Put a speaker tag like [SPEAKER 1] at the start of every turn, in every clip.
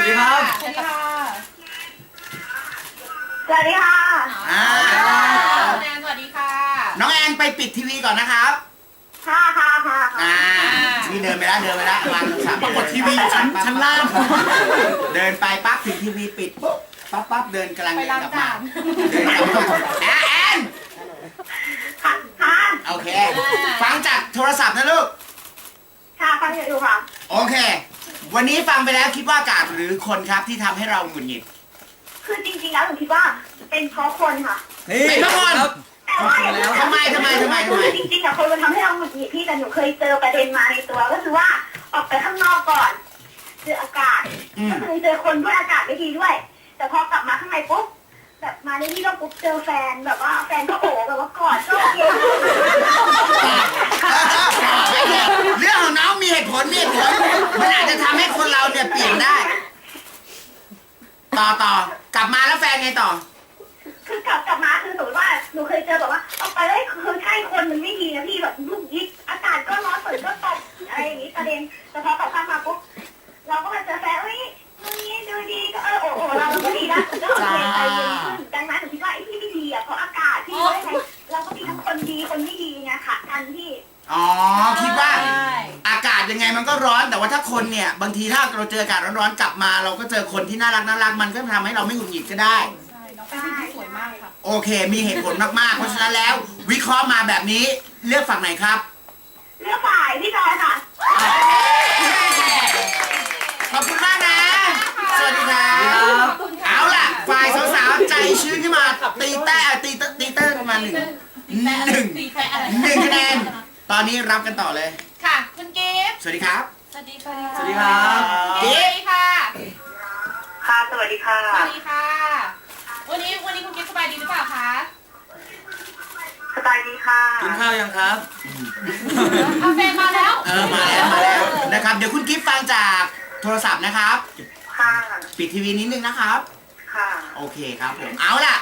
[SPEAKER 1] วัสดีครับ
[SPEAKER 2] สวัสดีค่ะ
[SPEAKER 3] สวัสดีค่ะ
[SPEAKER 2] แนนสวัสดีค่ะ
[SPEAKER 4] น้องแอนไปปิดทีวีก่อนนะครับ
[SPEAKER 3] ค่ะค่ะค่ะ
[SPEAKER 4] นี่เดินไปแล้ววางโทรศัพท์
[SPEAKER 1] ปรากฏทีวีอยู่ชั้นล่าง
[SPEAKER 4] เดินไปปั๊บถึงทีวีปิดปุ๊บปั๊บเดินกำลัง
[SPEAKER 2] ไป
[SPEAKER 4] เดิน
[SPEAKER 2] ล้าง
[SPEAKER 4] กลับ
[SPEAKER 2] จา
[SPEAKER 4] มาน เดินกลับมาแอน
[SPEAKER 3] ค่ะค่ะ
[SPEAKER 4] โอเค ฟังจากโทรศัพท์นะลูก
[SPEAKER 3] ค่ะฟังอยู่ค่ะ
[SPEAKER 4] โอเค วันนี้ฟังไปแล้วคิดว่าอากาศหรือคนครับที่ทำให้เราหงุดหงิด
[SPEAKER 3] คือจริงๆแล้วหนูคิดว่าเป็นเพราะคนค่ะ
[SPEAKER 4] เป็นเพราะคน
[SPEAKER 3] แต่ว่า
[SPEAKER 4] ทำไม
[SPEAKER 3] คือจริงๆอะคนมันทำให้เราหงุดหงิดพี่แต่หนูเคยเจอประเด็นมาในตัวก็คือว่าออกไปข้างนอกก่อนเจออากาศก็คือเจอคนด้วยอากาศไม่ดีด้วย แต่พอกลับมาข้างในปุ๊บแบบมาในที่เราปุ๊บเจอแฟนแบบว่าแฟนก็โอบแบบว่ากอดก็โอเค
[SPEAKER 4] เรื่องของน้องมีเหตุผลมันอาจจะทำให้คนเราเนี่ยเปลี่ยนได้ ต่อกลับมาแล้วแฟนไงต่อ
[SPEAKER 3] คือกลับมาคือสมมติว่าหนูเคยเจอแบบว่าออกไปแล้วคือใช่คนมันไม่ดีนะพี่แบบลูกยิกอากาศก็ร้อนฝนก็ตกอะไรอย่างนี้ประเด็นแต่พอกลับข้างมาปุ๊บเราก็มาเจอแฟนเฮ้ยตรงนี้ดูดีก็โอ้เราก็ดีนะก็โอเคใจเย็นขึ้นดังนั้นหนูคิดว่าไอ้ที่ไม่ดีอ่ะเพราะอากาศที่ว่าไงเราก็มีทั้งคนดีคนไม่ดีไงค่ะกันที่
[SPEAKER 4] อ๋อ คิดว่าอากาศยังไงมันก็ร้อน แต่ว่าถ้าคนเนี่ยบางทีถ้าเราเจออากาศร้อนๆกลับมา เราก็เจอคนที่น่ารักมันก็ทำให้เราไม่หงุดหงิดก็ได้
[SPEAKER 2] ใช่ น้องเป็นผู้หญิงที่สวยมากค่ะ
[SPEAKER 4] โอเค มีเหตุผลมากๆ เพราะฉะนั้นแล้ว วิเคราะห์มาแบบนี้เลือกฝั่งไหนครับ
[SPEAKER 3] เลือกฝ่ายพี่จอยค่ะ
[SPEAKER 4] ขอบคุณมากนะ สวัสดีครับ เอาล่ะ ฝ่ายสาวๆ ใจชื้นขึ้นมาตีแต้ประมาณหนึ่ง
[SPEAKER 2] ตีแพ้อะไร
[SPEAKER 4] คะแนน ตอนนี้รับกันต่อเลย
[SPEAKER 2] ค่ะ คุณกิฟต์
[SPEAKER 4] สวัสดีครับ
[SPEAKER 2] สวัสดีค่ะ
[SPEAKER 1] สวัสดีครับ
[SPEAKER 2] กิฟต์ค่ะ
[SPEAKER 3] ค่ะสวัสดีค่ะ
[SPEAKER 2] สวัสดีค่ะ วันนี้คุณกิฟต์สบายดีหรือเปล่าคะ
[SPEAKER 3] สบายดีค่ะ
[SPEAKER 1] กินข้าวยังครับ
[SPEAKER 2] เอาแฟนมาแล้ว
[SPEAKER 4] มาแล้วนะครับ เดี๋ยวคุณกิฟต์ฟังจากโทรศัพท์นะครับ
[SPEAKER 3] ค่ะ
[SPEAKER 4] ปิดทีวีนิดนึงนะครับ
[SPEAKER 3] ค่ะ
[SPEAKER 4] โอเคครับผม เอาล่ะ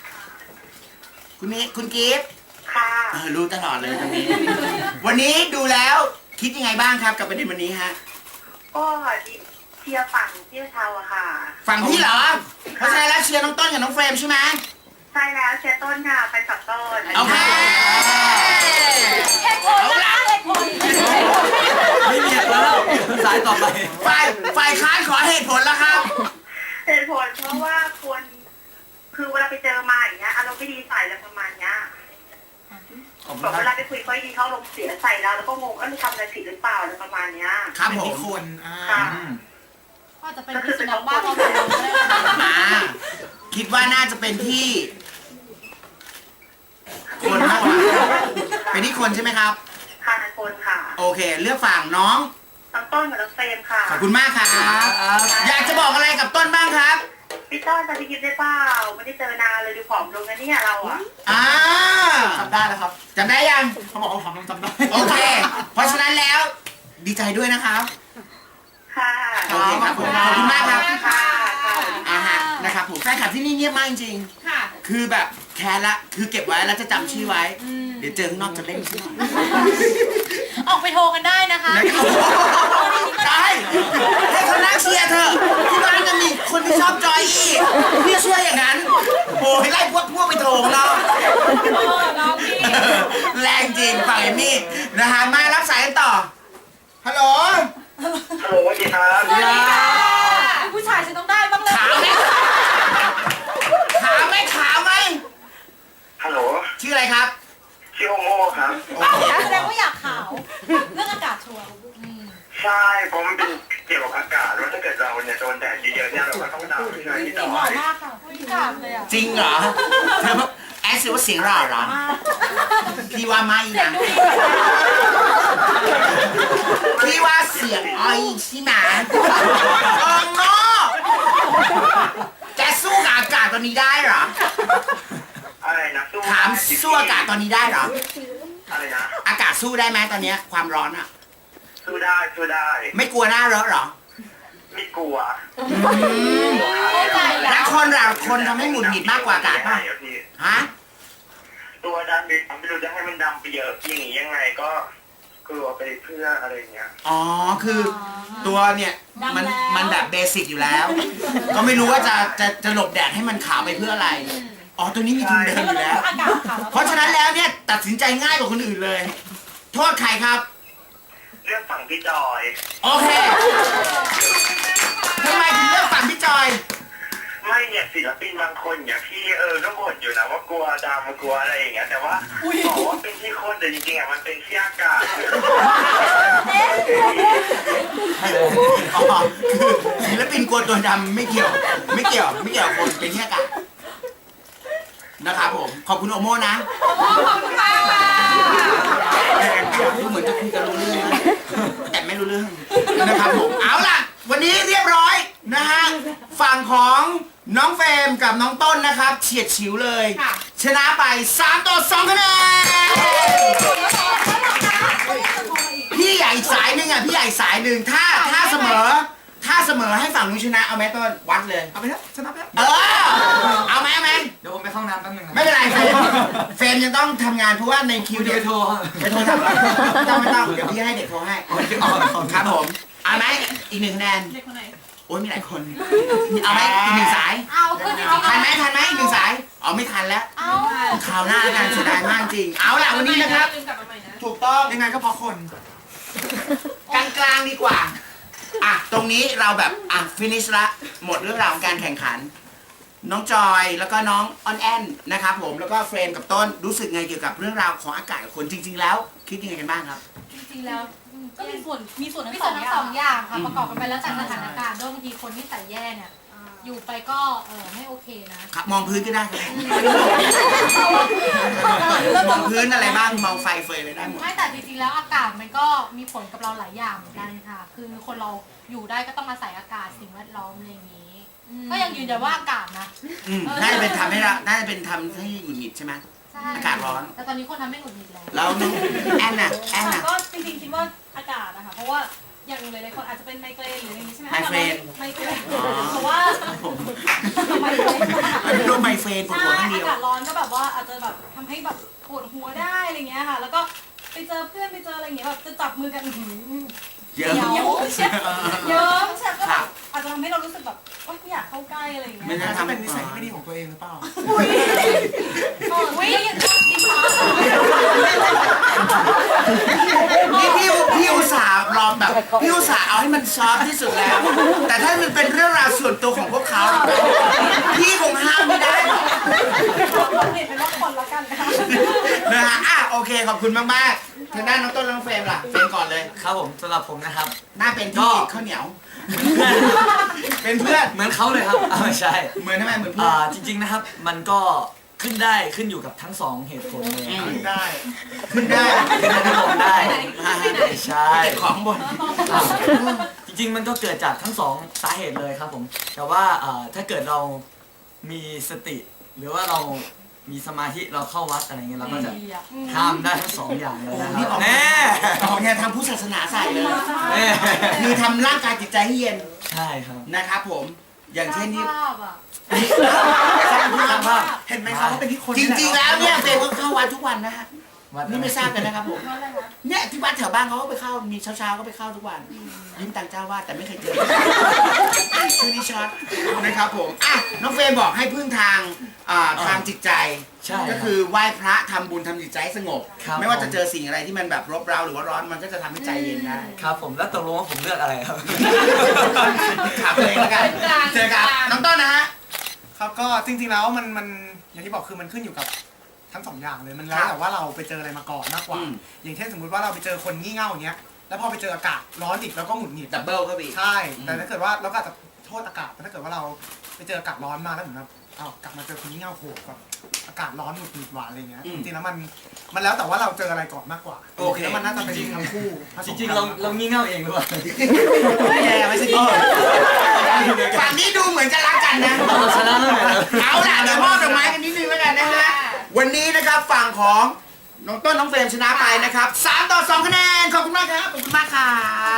[SPEAKER 4] คุณกิฟต์
[SPEAKER 3] ค่ะ
[SPEAKER 4] รู้ตลอดเลยวันนี้ วันนี้ดูแล้วคิดยังไงบ้างครับกับประเด็นวันนี้ฮะ
[SPEAKER 3] ก็เชียร์ฝั่งเที่ยวเชาอะค่ะ
[SPEAKER 4] ฝั่งพี่เหรอ เพราะฉะนั้นแล้วเชียร์น้องต้นกับน้องเฟรมใช่ไหม
[SPEAKER 3] ใช่แล้วเชียร์ต้นค่ะไปกับต้น
[SPEAKER 4] โอเค
[SPEAKER 2] เหตุผลนะคะเหตุผล
[SPEAKER 1] ไม่มีเหตุผลแล้วสายต่อไป
[SPEAKER 4] ฝ่ายค้านขอเหตุผลแล้วครับ
[SPEAKER 3] เหตุผลเพราะว่าคนคือเวลาไปเจอมาอย่างเงี้ยอารมณ์ไม่ดีใส่แล้วประมาณเนี้ย
[SPEAKER 1] ขอบคุ
[SPEAKER 3] แบ
[SPEAKER 1] ณ
[SPEAKER 3] บ
[SPEAKER 1] ค
[SPEAKER 3] เว
[SPEAKER 1] รับ
[SPEAKER 3] ลาไปคุยเขาดีเขาลงเสียใส่เราแล้วก็งงทำอะไรผิดหรือเปล่าอะไรประมาณเนี้ย
[SPEAKER 4] ครับผม
[SPEAKER 1] คน
[SPEAKER 2] ก็อาจจะเป็นพิษณุบ้าเขาแบบนั้นก็ได้นะคะ
[SPEAKER 4] คิดว่าน่าจะเป็นที่ คนมากกว่าเป็นที่คนใช่ไหมครับ
[SPEAKER 3] ค่ะนันคนค่ะ
[SPEAKER 4] โอเค เลือกฝั่งน้อง
[SPEAKER 3] น้องต้นกับน้องเฟรมค่ะ
[SPEAKER 4] ขอบคุณมากครับ อยากจะบอกอะไรกับต้นบ้างครับ
[SPEAKER 3] พี่ต้นจะไปกินได้เปล่าไม่ได้เจอนานเลยดูผอมลงนะเนี่ยเราอะ
[SPEAKER 1] จำได้แล้วครับ
[SPEAKER 4] จำได้ยัง
[SPEAKER 1] เขาบอกว่าผมต้องจำได้
[SPEAKER 4] โอเค เพราะฉะนั้นแล้ว ดีใจด้วยนะครับ
[SPEAKER 3] ค่ะ
[SPEAKER 4] โอเคครับผม ขอบคุณมากครับ
[SPEAKER 3] ค่ะค่ะ
[SPEAKER 4] ฮะ นะครับผมแฟนคลับที่นี่เงียบมากจริง
[SPEAKER 2] ค่ะ
[SPEAKER 4] ๆคือแบบแคร์ละ คือเก็บไว้แล้วจะจำชื่อไว้ เดี๋ยวเจอข้างนอกจะเล่นชื่อ
[SPEAKER 2] ออกไปโทรกันได้นะคะ
[SPEAKER 4] นะครับใช่ให้เขานั่งเชียร์เถอะที่บ้านยังมีคนที่ชอบจอยอีกพี่เชื่ออย่างนั้นโอ้ยไล่พวกไปโถงเรา
[SPEAKER 2] น้องพี่
[SPEAKER 4] แรงจริงฝั่งเอมมี่นะฮะมารับสายกันต่อ ฮัลโหล
[SPEAKER 3] ฮัลโหลสวัสดีครับ
[SPEAKER 2] สวัสดีค่ะผู้ชายฉันต้องได้บ้างเลย
[SPEAKER 4] ขาวไหมขาวไหม
[SPEAKER 3] ฮัลโหล
[SPEAKER 4] ชื่ออะไรครับ
[SPEAKER 3] ชื่อโอโม่ครับ
[SPEAKER 4] โอเค
[SPEAKER 2] แสดงว่าอยากขาว เรื่องอากาศชัวร์
[SPEAKER 3] ใช่เพราะมันเป็นเกี่ยวกับอากาศว่าถ้าเกิดเราเนี่ยโดนแดดเยอะๆเนี่ยเราก็ต้องดำใช่ไหมพี่
[SPEAKER 2] สี
[SPEAKER 3] ต่อ
[SPEAKER 2] หล่อมากค่ะผู้ชายเลยอ่ะ
[SPEAKER 4] จริงเหรอเธอแอดสิว่าเสียงหล่อเหรอพี่ว่าไม่นะพี่ว่าเสียงอ้อยใช่ไหมโอ้โง่แกสู้กับอากาศตอนนี้ได้เหรอ
[SPEAKER 3] อะไรนะสู้
[SPEAKER 4] ถามสู้อากาศตอนนี้ได้เหรอ
[SPEAKER 3] อะไรนะ
[SPEAKER 4] อากาศสู้ได้ไหมตอนเนี้ยความร้อนอะ
[SPEAKER 3] สู้ได้สู้ได้
[SPEAKER 4] ไม่กลัวหน้าร้อนเหรอ
[SPEAKER 3] ไม่กลัว
[SPEAKER 2] เข้าใจแล้
[SPEAKER 4] แล้ว
[SPEAKER 2] ว
[SPEAKER 4] คนเราคนทำให้หงุดหงิดมากกว่าอากาศป่ะ
[SPEAKER 3] พี่
[SPEAKER 4] ฮะ
[SPEAKER 3] ตัวดำไปไม่รู้จะให้มันดำไปเยอะอย่างนี้ยังไงก็
[SPEAKER 5] กลัวไปเพื่ออะไรอย่างเงี้ย
[SPEAKER 4] อ๋อคือตัวเนี่ยมันแบบเบสิกอยู่แล้ว ก็ไม่รู้ว่าจะหลบแดดให้มันขาวไปเพื่ออะไรอ๋อตัวนี้มีทุนเดิมอยู่แล้ว
[SPEAKER 2] อากาศค่ะ
[SPEAKER 4] เพราะฉะนั้นแล้วเนี่ยตัดสินใจง่ายกว่าคนอื่นเลย โทษใครครับ
[SPEAKER 5] เรื่องฝั่งพี่จอย
[SPEAKER 4] โอเคทำไมถึงเลือกฝั่งพี่จอย
[SPEAKER 5] ไม่เนี่ยศิลปินบางคนอย่างพี่ก็บ่นอยู่นะว่ากลัวดำกลัวอะไรอย่างเงี้ยแต่ว่าบอกว่าเป็นที่คนแต่จริงๆอ่ะมันเป็นที่อากาศ
[SPEAKER 4] อ๋อคือศิลปินกลัวตัวดำไม่เกี่ยวคนเป็นแค่กะนะครับผมขอบคุณโอโม่นะ
[SPEAKER 2] ขอบคุณค่ะ
[SPEAKER 4] ดูเหมือนจะคุยกันรู้เรื่องนะแต่ไม่รู้เรื่องนะครับผมเอาล่ะ วันนี้เรียบร้อยนะฮะฝั่งของน้องเฟรมกับน้องต้นนะครับเฉียดฉิวเลย ชนะไป3-2คะแนนพี่ใหญ่อีกสายหนึ่งอ่ะพี่ใหญ่สายหนึ่งถ้าเสมอให้ฝั่งนู้นชนะเอาไหมต้นวัดเลย
[SPEAKER 1] เอาไปแล้วชนะไปแล้ว
[SPEAKER 4] เอาไหม
[SPEAKER 1] เดี๋ยวผมไปเข้าน้ำแป๊บนึงนะ
[SPEAKER 4] ไม่เป็นไรเฟรมยังต้องททำงานเพราะว่าในคิว
[SPEAKER 1] เดี๋
[SPEAKER 4] เดี
[SPEAKER 1] ย
[SPEAKER 4] ยว ว
[SPEAKER 1] โทร
[SPEAKER 4] ไปโทรถามไม่ต้องเดี๋ยวพี่ให้เด็กโทรให้ครับผมเอาไหมอีก1คะแนน
[SPEAKER 2] เด็กคนไหน
[SPEAKER 4] โอ้ยมีหลายคนเอาไหมอีก1สาย
[SPEAKER 2] เอาขึ้นเอา
[SPEAKER 4] ทันไหมอีก1สายอ๋อไม่ทันแล้ว
[SPEAKER 2] เอา
[SPEAKER 4] คราวหน้ากันเสียดายมากจริงเอาล่ะวันนี้นะครับ
[SPEAKER 2] ลืมกลับมาใหม่นะ
[SPEAKER 4] ถูกต้อง
[SPEAKER 1] ยังไงก็เพราะคน
[SPEAKER 4] กลางๆดีกว่าอ่ะตรงนี้เราแบบฟินิชละหมดเรื่องราวของการแข่งขัน น้องจอยแล้วก็น้องออนแอนนะครับผมแล้วก็เฟรมกับต้นรู้สึกไงเกี่ยวกับเรื่องราวของอากาศกับคนจริง ๆ แล้วคิดยังไงกันบ้างครับ
[SPEAKER 2] จริงๆแล้วก็มีส่วนทั้งสองอย่างค่ะประกอบกันไปแล้วจากสถานการณ์ด้วยบางทีคนที่ใส่แย่เนี่ยอยู่ไปก็ไม่โอเคนะครับ
[SPEAKER 4] มองพื้นก็ได้ครับมองพื้นอะไรบ้างมองไฟเฟยอะไรได้หมด
[SPEAKER 2] ไม่แต่จริงๆแล้วอากาศมันก็มีผลกับเราหลายอย่างเหมือนกันค่ะ คือคนเราอยู่ได้ก็ต้องอาศัยอากาศสิ่งแวดล้อมอะไรอย่างนี้ ก็ยังยืนยันว่าอากาศนะ
[SPEAKER 4] น่าจะเป็นทำให้เราน่าจะเป็นทำให้หงุดหงิดใช่ไหม
[SPEAKER 2] ใช่
[SPEAKER 4] อากาศร้อน
[SPEAKER 2] แต่ตอนนี้คนทำไม่หงุดหงิดแล้ว
[SPEAKER 4] แล้วน้องแอนน่ะ
[SPEAKER 6] ก็จริงๆคิดว่าอากาศนะคะเพราะว่าอย่างหลายๆคนอาจจะเป็นไมเกรนหรืออะไรอย่างนี้ใช่ไหม
[SPEAKER 4] ไมเกรน
[SPEAKER 6] ไมเกรนเพราะว่า
[SPEAKER 4] ผม
[SPEAKER 6] ไมเกรน
[SPEAKER 4] เป็นโรคไมเฟรนปวด
[SPEAKER 6] ใช่
[SPEAKER 4] หัวข้างเดี
[SPEAKER 6] อา
[SPEAKER 4] ยว
[SPEAKER 6] กาศร้อนก็แบบว่าอาจจะแบบทำให้แบบปวดหัวได้อะไรเงี้ยค่ะ แล้วก็ไปเจอเพื่อนไปเจออะไรอย่างเงี้ยแบบจะจับมือกันอื้อหือ
[SPEAKER 4] เยอะ
[SPEAKER 6] เยิ้มเชียวเยิ้มเชียวก็แบบอาจจะทำให้เรารู้สึกแบบโอ๊ยไม่อยากเข้าใกล้อะไรอย่างเงี้ย
[SPEAKER 4] ไม่น่า
[SPEAKER 1] ถ้าเป็นนิสัยที่ไม่ดีของตัวเองหรือเปล่า
[SPEAKER 6] วิ่งอย่างนี้ค่ะ
[SPEAKER 4] นี่พี่อุตส่าห์รอแบบพี่อุตส่าห์เอาให้มันซอฟต์ที่สุดแล้ว แต่ถ้ามันเป็นเรื่องราวส่วนตัวของพวกเขาพี่คงห้ามไม่ได้หรอก
[SPEAKER 6] เราเปลี่ยนเป็นว่าคนละกันค่ะ
[SPEAKER 4] นะฮะโอเคขอบคุณมากๆทางด้านน้องต้นและน้องเฟรมล่ะเฟรมก่อนเลย
[SPEAKER 1] ครับผมสำหรับผมนะครับ
[SPEAKER 4] หน้าเป็นพี่ข้าวเหนียว เป็นเพื่อน
[SPEAKER 1] เหมือนเขาเลยครับไม่ใช่
[SPEAKER 4] เหมือนทำไมเหมือนเพื่อน
[SPEAKER 1] จริงๆนะครับมันก็ขึ้นอยู่กับทั้งสองเหตุผลเลยครับ
[SPEAKER 4] ได้ ขึ้นได้
[SPEAKER 1] ขึ้นได้ลงได้ไม่ใช่
[SPEAKER 4] เก็บของบน
[SPEAKER 1] จริงๆมันก็เกิดจากทั้งสองสาเหตุเลยครับผมแต่ว่าถ้าเกิดเรามีสติ หรือว่าเรามีสมาธิเราเข้าวัดอะไรเงี้ยเราก็จะห้ามได้ทั้งสองอย่างเลยนะค
[SPEAKER 4] นี่
[SPEAKER 1] รับ
[SPEAKER 4] ออก
[SPEAKER 1] แน่
[SPEAKER 4] ออกแนวทางพุทธศาสนาใส่เลย
[SPEAKER 1] แน่
[SPEAKER 4] คือทำร่างกายจิตใจให้เย็น
[SPEAKER 1] ใช่ครับ
[SPEAKER 4] นะครับผม อย่างเช่นที่
[SPEAKER 2] ภาพอ่ะ
[SPEAKER 4] สร้างภาพว่า
[SPEAKER 1] เห็นไหมครับว่าเป็นที่คน
[SPEAKER 4] จริงๆแล้วเนี่ยเฟรมก็เข้าวัดทุกวันนะฮะ
[SPEAKER 1] วัด
[SPEAKER 4] นี่ไม่ทราบกันนะครับผม
[SPEAKER 2] ว่าอะไรวะ
[SPEAKER 4] เนี่ยที่วัดแถวบ้านเขาก็ไปเข้า มีเช้าๆก็ไปเข้าทุกวันยิ้มตังเจ้าวาดแต่ไม่เคยเจอชื่อนี้ช็อตนะครับผมน้องเฟรมบอกให้พึ่งทางทางจิตใจ
[SPEAKER 1] ใช่
[SPEAKER 4] ก็คือไหว้พระทำบุญทำจิตใจให้สงบ
[SPEAKER 1] ครับ
[SPEAKER 4] ไม่ว่าจะเจอสิ่งอะไรที่มันแบบรบเร้าหรือว่าร้อนมันก็จะทำให้ใจเย็นได้
[SPEAKER 1] ครับผมแล้วตกลงว่าผมเลือกอะไรครับ
[SPEAKER 4] ขับเลยแล้วกันเจอกับน้องต้นนะฮะ
[SPEAKER 7] ครับก็จริงๆแล้วมันอย่างที่บอกคือมันขึ้นอยู่กับทั้งสองอย่างเลยมันแล้วแต่ว่าเราไปเจออะไรมาก่อนมากกว่า อย่างเช่นสมมุติว่าเราไปเจอคนงี่เง่าอย่างเงี้ยแล้วพอไปเจออากาศร้อนอีกแล้วก็หงุดหงิด
[SPEAKER 4] ดับเบิลเข้าไปอีก
[SPEAKER 7] ใช่แต่ถ้าเกิดว่าเราก็อาจจะโทษอากาศแต่ถ้าเกิดว่าเราไปเจออากาศร้อนมาแล้วเหมือนแบบกลับมาเจอคนงี่เง่าโหแบบอากาศร้อนหงุดหงิดหวานอะไรเงี้ยจริงๆแล้วมันแล้วแต่ว่าเราเจออะไรก่อนมากกว่า
[SPEAKER 4] โอเค
[SPEAKER 7] แล้วมันน่าจะเป็นทั้งคู่ผส
[SPEAKER 1] จ
[SPEAKER 7] ม
[SPEAKER 1] ริง
[SPEAKER 7] กั
[SPEAKER 1] ๆ
[SPEAKER 7] น
[SPEAKER 1] เรางี่เง่าเองหรือเปล่า
[SPEAKER 4] แย่ไม่ใช่ดีฝั่งนี้ดูเหมือนจะรักกันนะ
[SPEAKER 1] เราชนะแล้วไง
[SPEAKER 4] เอาล่ะเดี๋ยวมอบดอกไม้กันนิดนึงแล้วกันนะฮะ วันนี้นะครับฝั่งของน้องต้นน้องเฟรมชนะไปนะครับ3-2คะแนน ขอบคุณมากครับ ขอบคุณมากครับ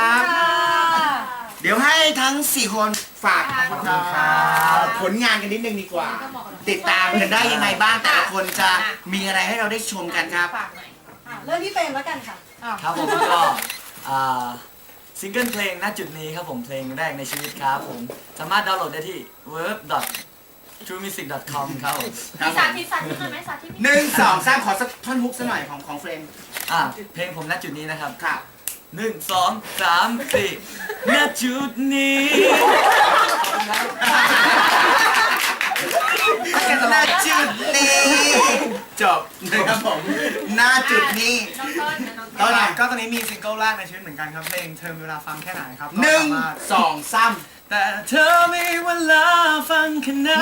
[SPEAKER 4] เดี๋ยวให้ทั้ง 4 คนฝากผลงานกันนิดนึงดีกว่า ติดตามกันได้ยังไงบ้างแต่ละคนจะมีอะไรให้เราได้ชมกันครับ
[SPEAKER 2] ฝากหน่อย
[SPEAKER 6] เริ่มที่เฟรมแล้วกันค่ะ
[SPEAKER 1] ครับผมก็ซิงเกิลเพลงณจุดนี้ครับผมเพลงแรกในชีวิตครับผมสามารถดาวน์โหลดได้ที่ verb.truemusic.com ครับผม
[SPEAKER 6] มีสาธิตไหมสาธิต
[SPEAKER 4] หนึ่งสองสามขอสักท่อนฮุกสักหน่อยของเฟรม
[SPEAKER 1] เพลงผมณจุดนี้นะครับ
[SPEAKER 4] ครับ
[SPEAKER 1] 1 2 3 4ณจุดนี้
[SPEAKER 4] ณจุดนี้จบนะครับผมณจุดนี้
[SPEAKER 2] น้องต้นนะน้อง
[SPEAKER 4] ตอนไหน
[SPEAKER 7] ก็ตอนนี้มีซิงเกิลแรกในชีวิตเหมือนกันครับเพลงเธอมีเวลาฟังแค่ไหนครับก็
[SPEAKER 4] หนึ่ง
[SPEAKER 7] สามารถ
[SPEAKER 4] สองสาม
[SPEAKER 1] แต่เธอมีเวลาฟังแค่ไหน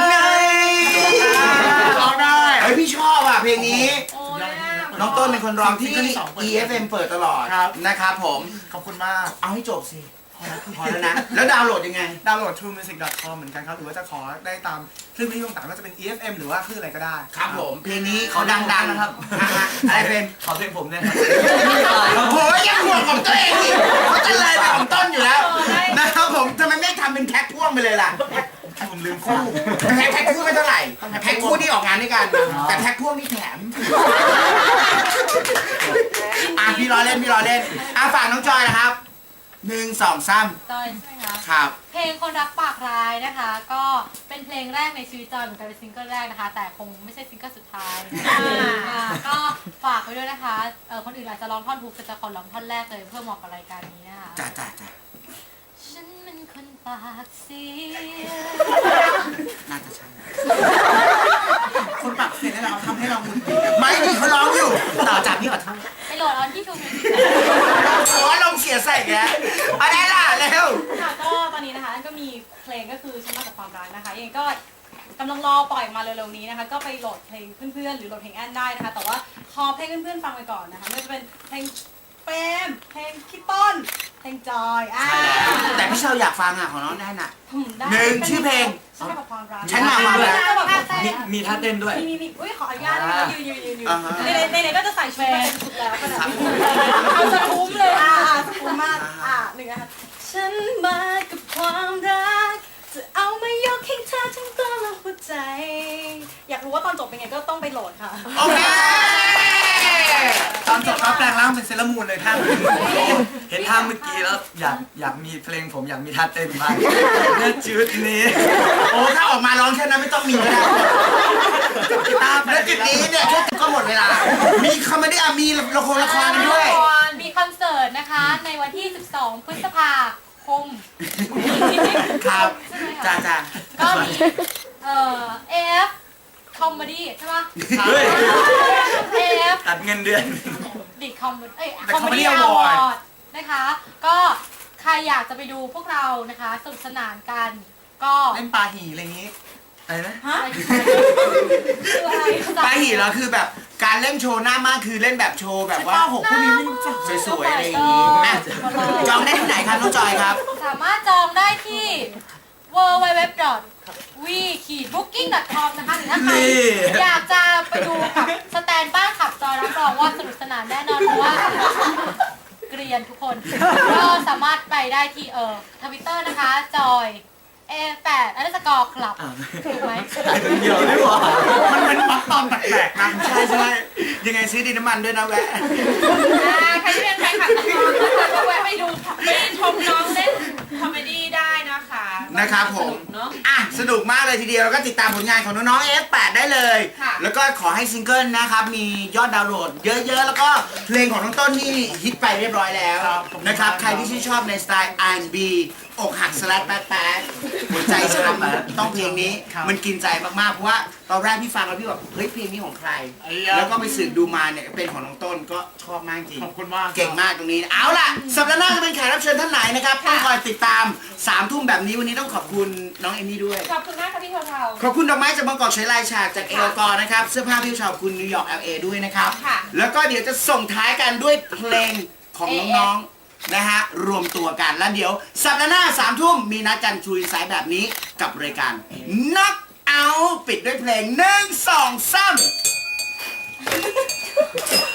[SPEAKER 4] ร้องได้เฮ้ยพี่ชอบอ่ะเพลงนี้
[SPEAKER 6] โอ้ย
[SPEAKER 4] น้องต้นเป็นคนร้องที่
[SPEAKER 7] ซิงเกิลที่สองเปิด
[SPEAKER 4] EFM เปิดตลอด
[SPEAKER 7] ครับ
[SPEAKER 4] นะครับผม
[SPEAKER 7] ขอบคุณมาก
[SPEAKER 4] เอาให้จบสิ พอแล้วนะ แล้วดาวน์โหลดยังไง
[SPEAKER 7] ดาวน์โหลด truemusic.com เหมือนกันครับ หรือว่าจะขอได้ตามคลื่นวิทยุต่างๆก็จะเป็น EFM หรือว่าคลื่นอะไรก็ได้
[SPEAKER 4] ครับผม เพลงนี้เขาดังๆนะครับอะไรเพลง
[SPEAKER 1] ขอเพลงผมเนี่ยครับ
[SPEAKER 4] โอ้โหยังห่วงของตัวเองอีกเขาจะเลยไปของต้นอยู่แล้วนะครับผมทำไมไม่ทำเป็นแพ็คพ่วงไปเลยล่ะ
[SPEAKER 7] ผมลืมคู่
[SPEAKER 4] แพ็คคู่ไม่เท่าไหร่แพ็คคู่ที่ออกงานด้วยกัน แต่แพ็คพ่วงนี่แถมพี่รอเล่นฝากน้องจอยนะครับหนึ่งสองสาม
[SPEAKER 2] จอยใช่ไหมคะ
[SPEAKER 4] ครับ
[SPEAKER 2] เพลงคนรักปากร้ายนะคะ ก็เป็นเพลงแรกในชีวิตจอยเหมือนกันเป็นซิงเกิลแรกนะคะ แต่คงไม่ใช่ซิงเกิลสุดท้ายก็ฝากไว้ด้วยนะคะคนอื่นอาจจะร้องท่อนฮุกแต่จะขอร้องท่อนแรกเลยเพื่อเหมาะกับรายการนี้นะคะ
[SPEAKER 4] จ้า
[SPEAKER 2] ฉันเป็นคนปากเสีย
[SPEAKER 4] น่าจะใช่
[SPEAKER 7] คนปากเสียงนี่แหละครับทำให้เราหงุดหงิด
[SPEAKER 4] ไม่ดิเขาร้องอยู่ ต่อจากพี่ขอโทษ
[SPEAKER 2] ไปโหลดเอาที่ทูมิวสิก
[SPEAKER 4] โอ้ลงเสียใส่แกอะไรล่ะเร็ว
[SPEAKER 6] ค่ะก็ตอนนี้นะคะก็มีเพลงก็คือฉันมาจากความรักนะคะยังไงก็กำลังรอปล่อยมาเร็วๆนี้นะคะก็ไปโหลดเพลงเพื่อนๆหรือโหลดเพลงแอนได้นะคะแต่ว่าขอเพลงเพื่อนๆฟังไปก่อนนะคะไม่ว่าจะเป็นเพลงเฟรมเพลงพี่ต้นเพลงจอย
[SPEAKER 4] แต่พี่เชาอยากฟังอ่ะของน้องแน่นอ่ะ
[SPEAKER 6] ได้
[SPEAKER 4] หนึ่งชื่อเพลง
[SPEAKER 6] ฉันมาจากความรัก
[SPEAKER 4] ฉันมาความรัก
[SPEAKER 1] มีท่าเต้นด้วย
[SPEAKER 6] มีอุ้ยขออนุญาตยืน
[SPEAKER 4] อ่าฮะ
[SPEAKER 6] ในก็จะใส่ชุดมาเป็นชุดแล้วขนาดนี้เอาสคุ้มเลยสคุ้มมากหนึ่งนะคะฉันมากับความรักจะเอามายกให้เธอทั้งตัวและหัวใจ อยากรู้ว่าตอนจบเป็นไงก็ต้องไปโหลดค่ะ
[SPEAKER 4] โอเค
[SPEAKER 7] ตอนจบก็แปลงร่างเป็นเซเลอรามูนเลยท่าน
[SPEAKER 1] เห็นท่าเมื่อกี้แล้วอยากมีเพลงผมอยากมีท่าเต้นบ้างณจุดนี้
[SPEAKER 4] โอ้ถ้าออกมาร้องแค่นั้นไม่ต้องมีก็ได้แล้วจุดนี้เนี่ยแค่ก็หมดเวลา มีคอมเมดี้มีละครกันด้วย
[SPEAKER 2] มีคอนเสิร์ตนะคะในวันที่ 12 พฤษภาคม
[SPEAKER 4] ครับ
[SPEAKER 2] ใช่ไหม
[SPEAKER 4] จ้า
[SPEAKER 2] คะก็มีAF คอมเมดี้ใช่ปะ
[SPEAKER 1] เฮ้ย
[SPEAKER 2] AF
[SPEAKER 1] ตัดเงินเดือน
[SPEAKER 2] ดิคอมคอมเมดี้อวอร์ดนะคะ ก็ใครอยากจะไปดูพวกเรานะคะสนุกสนานกัน ก็
[SPEAKER 7] เล่นปลาหีอะไรอย่างนี้
[SPEAKER 1] อะไรนะ
[SPEAKER 6] ฮะ
[SPEAKER 2] คืออะไร
[SPEAKER 4] ปาหีเหรอคือแบบการเล่นโชว์หน้ามากคือเล่นแบบโชว์แบบว่า
[SPEAKER 7] หกพวกนี้ไม่รู้จัก
[SPEAKER 4] สวยๆอะไรอย่างนี้อ่ะจองได้ที่ไหนครับน้องจอยครับ
[SPEAKER 2] สามารถจองได้ที่ www.we-booking.com นะคะหรือถ้าใครอยากจะไปดูกับสแตนบ้านขับจอยรับรองว่าสนุกสนานแน่นอนเพราะว่าเกรียนทุกคน ก็สามารถไปได้ที่Twitter นะคะจอย A8_ คลับถูกไหม
[SPEAKER 1] เดี๋ยวดีกว่า
[SPEAKER 7] มันเป็นมักตอนแปลกๆนะ
[SPEAKER 4] ใช่ ยังไงซื้อดินน้ำมันด้วยนะแวะ
[SPEAKER 6] ใครที่เป็นแฟนคลับน้องๆนะคะก็แวะไปดูไปชมน้องเล่นคอมเมดี้ได้นะคะ
[SPEAKER 4] นะครับผม
[SPEAKER 6] เนาะ
[SPEAKER 4] อ่ะสนุกมากเลยทีเดียวแล้วก็ติดตามผลงานของน้องๆ F8 ได้เลย
[SPEAKER 6] ค่ะ
[SPEAKER 4] แล้วก็ขอให้ซิงเกิลนะครับมียอดดาวน์โหลดเยอะๆ แล้วก็เพลงของน้องต้นนี่ฮิตไปเรียบร้อยแล้ว
[SPEAKER 7] ครับผม
[SPEAKER 4] นะครับใครที่ชื่นชอบในสไตล์ R&B อกหักสลัดแป๊ดๆหัวใจช้ำต้องเพลงนี้
[SPEAKER 7] ครับ
[SPEAKER 4] มันกินใจมากๆเพราะว่าตอนแรกพี่ฟังแล้วพี่แบบเฮ้ยเพลงนี้ของใคร
[SPEAKER 7] ไอ้ยะ
[SPEAKER 4] แล้วก็ไปสืบดูมาเนี่ยเป็นของน้องต้นก็ชอบมากจริง
[SPEAKER 7] ขอบคุณมาก
[SPEAKER 4] เก่งมากตรงนี้ เอาล่ะ สัปดาห์หน้าจะเป็นแขกรับเชิญท่านไหนนะครับต้องคอยติดตาม3 ทุ่มแบบนี้วันนี้ต้องขอบคุณน้องเอมมี่ด้วย
[SPEAKER 6] ขอบคุณมากค่ะพี่เทา
[SPEAKER 4] ขอบคุณดอกไม้จากบางกอกใช้ลายฉากจากเอลกอนะครับ เสื้อผ้าพี่ชาวคุณนิวยอร์ก LA ด้วยนะครับ
[SPEAKER 6] ค่ะ
[SPEAKER 4] แล้วก็เดี๋ยวจะส่งท้ายกันด้วยเพลงของน้องๆ นะฮะ รวมตัวกัน แล้วเดี๋ยว สัปดาห์หน้า3 ทุ่มมีนัดกันชูอินไซด์แบบนี้กับรายการนักเอาปิดด้วยเพลง1 2 3